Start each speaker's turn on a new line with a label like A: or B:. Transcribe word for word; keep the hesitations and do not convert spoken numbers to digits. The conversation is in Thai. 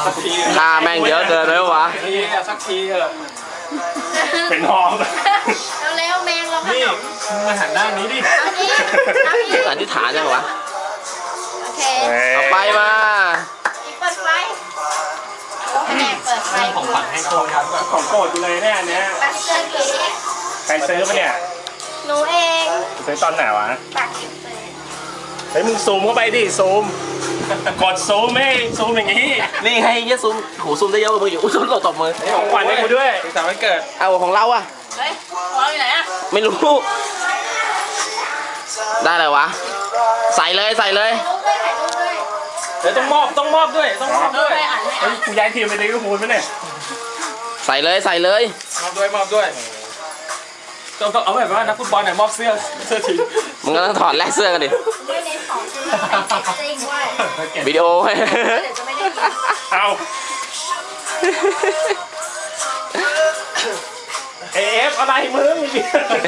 A: สักที
B: ค่าแม่งเยอะเกินเลยวะ
A: ทีสักทีเถอะ
C: เป็นหอม
D: เร็วๆแมงเราข
A: นี่
D: นม
A: มึงมาหันด้านนี้ดิ
D: เอานี้เอานี้
B: อธิษฐานยังวะ
D: โอเค
B: เอาไปมา
D: อีกเปิดไฟแผนกเปิดไฟ
A: ของขวัญให้โคนครับ
C: ของโปรดกูเลยเนี่ยอันเนี้ย
D: ปักเจอผี
C: ใครซื้อมาเนี่ย
D: หนูเอง
C: ซื้อตอนไหนวะ
D: ปักเจอ
C: เฮ้ยมึงซูมเข้าไปดิซูมกดซูมไม่ซูมอย่างนี้
B: นี่ให้เยอะซูมโหซูมได้เยอะกว่ามึงอยู่อุ้ยซูมหลบตบมือ
C: ของขวัญให้กูด้วย
A: สุขสันต์วันเกิด
B: เอาของเราอะ
D: เฮ้ยของเราอยู่ไหนอะ
B: ไม่รู้ ได้เลยวะ ใส่เลยใส่เลย
D: ถ่ายรูปด้วยถ่ายรูปด้วย
A: เดี๋ยวต้องมอบต้องมอบด้วยต้องมอบ
D: รู
A: ด้
D: ป
A: วย
D: ด้วยอ่านให้
C: เฮ้
D: อ่ะ
C: ยกูย้ายทีมไปลิเวอร์พูลไหมเนี่ย
B: ใส่เลยใส่เลย
A: มอบด้วยมอบด้วยต้องต้องเอาแบบว่านักฟุตบอลเนี่ยมอบเสื้อเสื้อทีม
B: มึงก็ต้องถอดแลกเสื้อกันดิ
D: ไม่เน้นของจริงจริงด้วย
B: วิดีโอให้
D: เดี๋ยวจะไม่ได้ยิน
C: เอาเอฟอะไรมึง